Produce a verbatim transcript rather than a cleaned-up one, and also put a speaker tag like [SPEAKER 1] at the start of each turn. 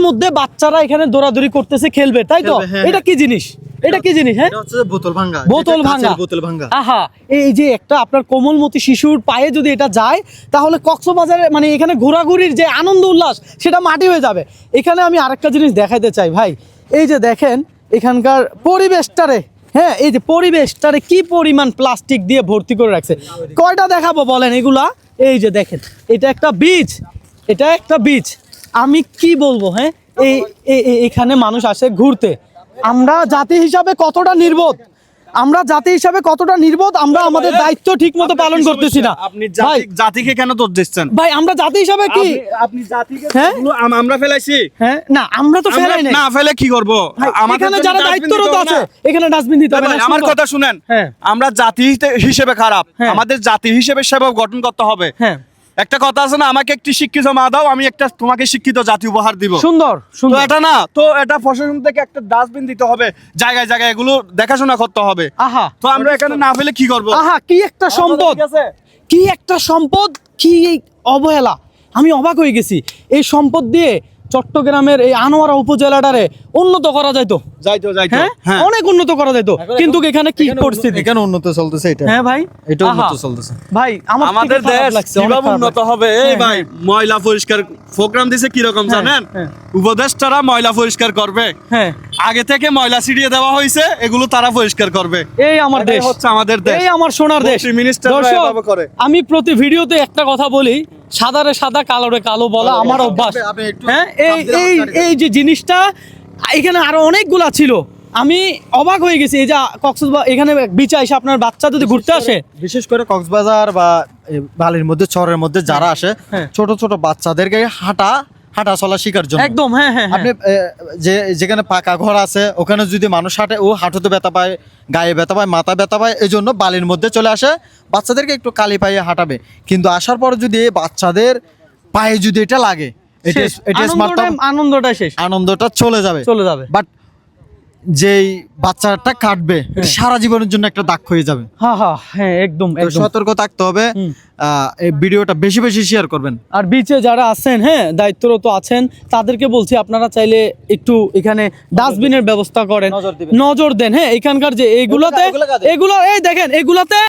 [SPEAKER 1] মধ্যে বাচ্চারা এখানে দৌড়াদৌড়ি করতেছে, খেলবে, তাই তো? এটা কি জিনিস? এটা কি জিনিস? হ্যাঁ,
[SPEAKER 2] এটা হচ্ছে বোতল ভাঙা।
[SPEAKER 1] বোতল ভাঙা,
[SPEAKER 2] বোতল ভাঙা।
[SPEAKER 1] আহা, এই যে একটা আপনার কোমলমতি শিশুর পায়ে যদি এটা যায়, তাহলে কক্সবাজারে মানে এখানে ঘোরাঘুরির যে আনন্দ উল্লাস সেটা মাটি হয়ে যাবে। এখানে আমি আরেকটা জিনিস দেখাইতে চাই ভাই, এই যে দেখেন এখানকার পরিবেশটারে, হ্যাঁ, এই যে পরিবেশটারে কি পরিমাণ প্লাস্টিক দিয়ে ভর্তি করে রাখছে। কয়টা দেখাবো বলেন এগুলা? এই যে দেখেন, এটা একটা বীজ, এটা একটা বীজ। আমি কি বলবো, হ্যাঁ, এই এখানে মানুষ আসে ঘুরতে। আমরা জাতি হিসাবে কতটা নির্বোধ, আমরা জাতি হিসাবে কতটা নির্বোধ, আমরা আমাদের দায়িত্ব ঠিক মতো পালন করতেছি না।
[SPEAKER 2] আপনি জাতিকে কেন দোষ দিচ্ছেন
[SPEAKER 1] ভাই? আমরা জাতি হিসাবে কি
[SPEAKER 2] আপনি জাতিকে আমরা ফেলাইছি?
[SPEAKER 1] হ্যাঁ, না, আমরা তো ফেলাই নাই।
[SPEAKER 2] না ফেলে কি করব?
[SPEAKER 1] এখানে যারা দায়িত্বরত আছে এখানে ডাস্টবিন দিতে হবে।
[SPEAKER 2] আমার কথা শুনেন, আমরা জাতি হিসেবে খারাপ, আমাদের জাতি হিসেবে সেবা গঠন করতে হবে। হ্যাঁ, একটা কথা আছে না, আমাকে একটি শিক্ষিত মা দাও, আমি একটা তোমাকে শিক্ষিত জাতি উপহার দিব। সুন্দর সুন্দর। এটা না তো, এটা প্রশাসন থেকে একটা ডাস্টবিন দিতে হবে, জায়গায় জায়গায় এগুলো দেখাশোনা করতে হবে। আহা, তো আমরা এখানে না ফেলে কি করব? আহা, কি একটা সম্পদ, কি একটা সম্পদ, কি অবহেলা! আমি অবাক হয়ে গেছি। এই সম্পদ দিয়ে চট্টগ্রামের এই আনোয়ারা উপজেলাটারে উন্নত করা যাইতো, যাইতো যাইতো হ্যাঁ, অনেক উন্নত করা যাইতো। কিন্তু এখানে কি পরিস্থিতি? এখানে উন্নত চলতেছে এটা। হ্যাঁ ভাই, এটা উন্নত চলতেছে ভাই। আমাদের দেশ কিভাবে উন্নত হবে? এই ভাই, ময়লা পরিষ্কার প্রোগ্রাম দিছে কি রকম জানেন? উপদেষ্টারা ময়লা পরিষ্কার করবে, হ্যাঁ, আগে থেকে ময়লা ছিটিয়ে দেওয়া হয়েছে, এগুলো তারা পরিষ্কার করবে। এই আমার দেশ হচ্ছে আমাদের দেশ, এই আমার সোনার দেশ। মিনিস্টাররা এভাবে করে। আমি প্রতি ভিডিওতে একটা কথা বলি, সাদারে সাদা কালোরে কালো বলা আমার অভ্যাস। হ্যাঁ, এই এই এই যে জিনিসটা এখানে আরো অনেকগুলা ছিল, আমি অবাক হয়ে গেছি। এই যে কক্সবাজার এখানে বিচে এসে আপনার বাচ্চা যদি ঘুরতে আসে, বিশেষ করে কক্সবাজার বা বালির মধ্যে চরের মধ্যে যারা আসে, ছোট ছোট বাচ্চাদেরকে হাঁটা হাঁটা চলা শিকার জন্য একদম, হ্যাঁ হ্যাঁ, আপনি যে যেখানে পাকা ঘর আছে ওখানে যদি মানুষ হাঁটে, ও হাঁটুতে ব্যথা পায়, গায়ে ব্যথা পায়, মাথা ব্যথা পায়, এই জন্য বালির মধ্যে চলে আসে, বাচ্চাদেরকে একটু কালি পায়ে হাঁটাবে। কিন্তু আসার পর যদি বাচ্চাদের পায়ে যদি এটা লাগে, আনন্দটা শেষ, আনন্দটা চলে যাবে চলে যাবে বাট যেই বাচ্চাটা কাটবে সারা জীবনের জন্য একটা দাগ হয়ে যাবে। হ্যাঁ হ্যাঁ হ্যাঁ, একদম সতর্ক থাকতে হবে। এই ভিডিওটা বেশি বেশি শেয়ার করবেন। আর বিচে যারা আছেন, হ্যাঁ, দায়িত্বরত আছেন, তাদেরকে বলছি আপনারা চাইলে একটু এখানে ডাস্টবিনের ব্যবস্থা করেন, নজর দেন। হ্যাঁ, এখানকার যে এইগুলাতে, এগুলো এই দেখেন, এগুলাতে